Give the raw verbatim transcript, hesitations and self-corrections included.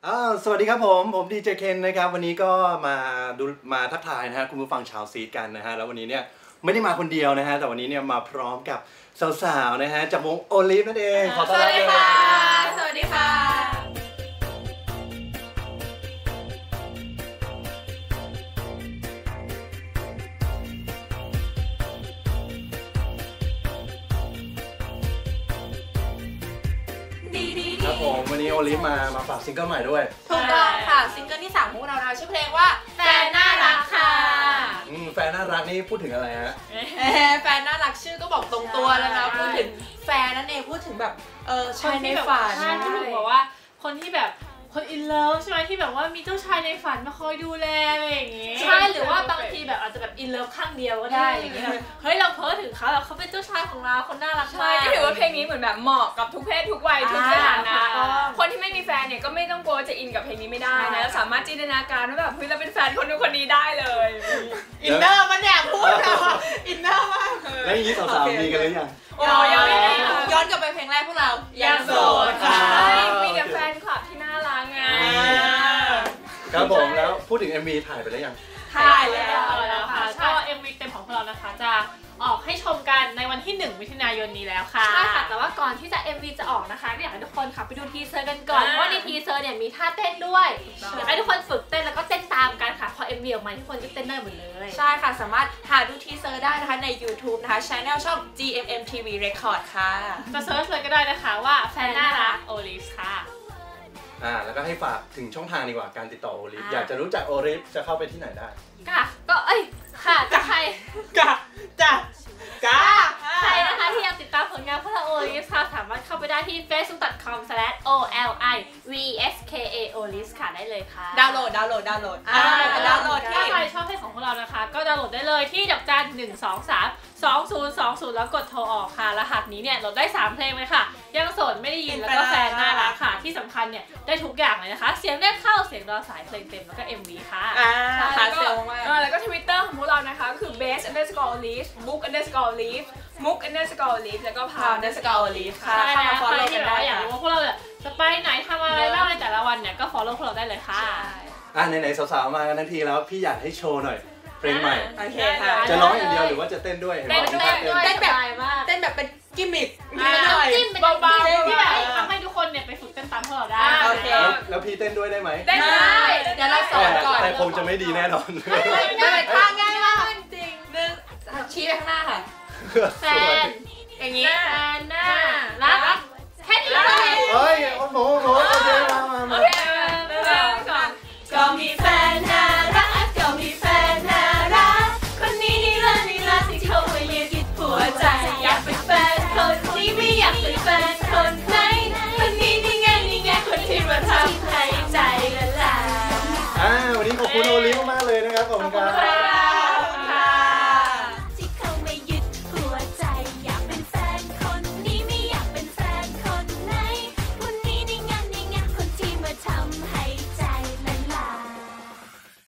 อ้าวสวัสดีครับผมผมดีเจเคนนะครับวันนี้ก็มาดูมาทักทายนะฮะคุณผู้ฟังชาวซีดกันนะฮะแล้ววันนี้เนี่ยไม่ได้มาคนเดียวนะฮะแต่วันนี้เนี่ยมาพร้อมกับสาวๆนะฮะจากวงโอลิฟนั่นเองขอต้อนรับเลยสวัสดีค่ะครับผมวันนี้โอลิฟมามาฝากซิงเกิลใหม่ด้วยถูกต้องค่ะซิงเกิลที่สามของพวกเรานะชื่อเพลงว่าแฟนน่ารักค่ะอืมแฟนน่ารักนี่พูดถึงอะไรฮะแฟนน่ารักชื่อก็บอกตรงตัวแล้วนะพูดถึงแฟนนั่นเองพูดถึงแบบเออชายในฝันใช่พูดถึงบอกว่าคนที่แบบคนอินเลิฟใช่ไหมที่แบบว่ามีเจ้าชายในฝันมาคอยดูแลอะไรอย่างงี้ใช่หรือว่าบางทีแบบอาจจะแบบอินเลิฟข้างเดียวก็ได้อย่างเงี้ยเฮ้ยเราเพ้อถึงเขาแบบเขาเป็นเจ้าชายของเราคนน่ารักมากก็ถือว่าเพลงนี้เหมือนแบบเหมาะกับทุกเพศทุกวัยทุกสถานะคนที่ไม่มีแฟนเนี่ยก็ไม่ต้องกลัวจะอินกับเพลงนี้ไม่ได้นะสามารถจินตนาการว่าแบบเฮ้ยเราเป็นแฟนคนนู้นคนนี้ได้เลยอินเนอร์มันเนี่ยพูดเราอินเนอร์มากแล้วอย่างนี้สาวๆมีกันหรือยังโอ้ยย้อนกลับไปเพลงแรกพวกเรายังโสดค่ะมีแต่แฟนคลับที่น่ารักไงครับผมแล้วพูดถึง เอ็ม วี ถ่ายไปแล้วยังถ่ายแล้วค่ะก็ เอ็ม วี เต็มของพวกเรานะคะจะออกให้ชมกันในวันที่หนึ่งมิถุนายนนี้แล้วค่ะใช่ค่ะแต่ว่าก่อนที่จะ เอ็ม วี จะออกนะคะก็อยากให้ทุกคนค่ะไปดูทีเซอร์กันก่อนเพราะในทีเซอร์เนี่ยมีท่าเต้นด้วยอยากให้ทุกคนฝึกเต้นแล้วก็เต้นตามกันค่ะพอ เอ็ม วี ออกมาทุกคนก็เต้นได้หมดเลยใช่ค่ะสามารถหาดูทีเซอร์ได้นะคะใน YouTube นะคะ Channel ช่อง จี เอ็ม เอ็ม ที วี Record ค่ะจะเซิร์ชเลยก็ได้นะคะว่าแฟนน่ารักโอลิฟค่ะอ่าแล้วก็ให้ฝากถึงช่องทางดีกว่าการติดต่อโอลิฟอยากจะรู้จักโอลิฟจะเข้าไปที่ไหนได้ค่ะก็เอ้ยค่ะจะใครกะจ้ะกะใครนะคะที่อยากติดตามผลงานพวกเราโอลิฟค่ะสามารถเข้าไปได้ที่ เฟซบุ๊ก ดอท คอม สแลช โอ แอล ไอ วี เอส เค เอ โอลิฟค่ะได้เลยค่ะดาวน์โหลดดาวน์โหลดดาวน์โหลดอ่าดาวน์โหลดที่ถ้าใครชอบเพลงของพวกเรานะคะก็ดาวน์โหลดได้เลยที่ดอกจันหนึ่งสองสามสองศูนย์สองศูนย์แล้วกดโทรออกค่ะรหัสนี้เนี่ยโหลดได้สามเพลงเลยค่ะยังโสดไม่ได้ยินแล้วก็แฟนน่ารักค่ะที่สำคัญเนี่ยได้ทุกอย่างเลยนะคะเสียงแรกเข้าเสียงรอสายเพลงเต็มแล้วก็ เอ็ม วี ค่ะอ่าหาเซลมากแล้วก็ Twitter ของพวกเรานะคะก็คือ base underscore olive book underscore oliveมุก underscore olive แล้วก็ pound underscore olive ค่ะใช่แล้วใครที่แบบว่าอยากรู้ว่าพวกเราจะไปไหนทำอะไรบ้างในแต่ละวันเนี่ยก็ follow พวกเราได้เลยค่ะอ่ะไหนๆสาวๆมากันทั้งทีแล้วพี่อยากให้โชว์หน่อยเพลงใหม่โอเคค่ะจะร้องอย่างเดียวหรือว่าจะเต้นด้วยเต้นด้วยเต้นแบบเต้นแบบเป็นกิมมิคจิ้มเป็นเบาๆที่แบบทำให้ทุกคนเนี่ยไปฝึกเต้นตามพวกเราได้โอเคแล้วพี่เต้นด้วยได้ไหมได้เดี๋ยวเราสอนก่อนแต่คงจะไม่ดีแน่นอนไม่เป็นท่าง่ายมากจริงหนึ่งชี้ไปข้างหน้าค่ะแฟนอย่างนี้แฟนน่ารักแค่นี้เลยเฮ้ยโอ้โหโอ้โหโอเค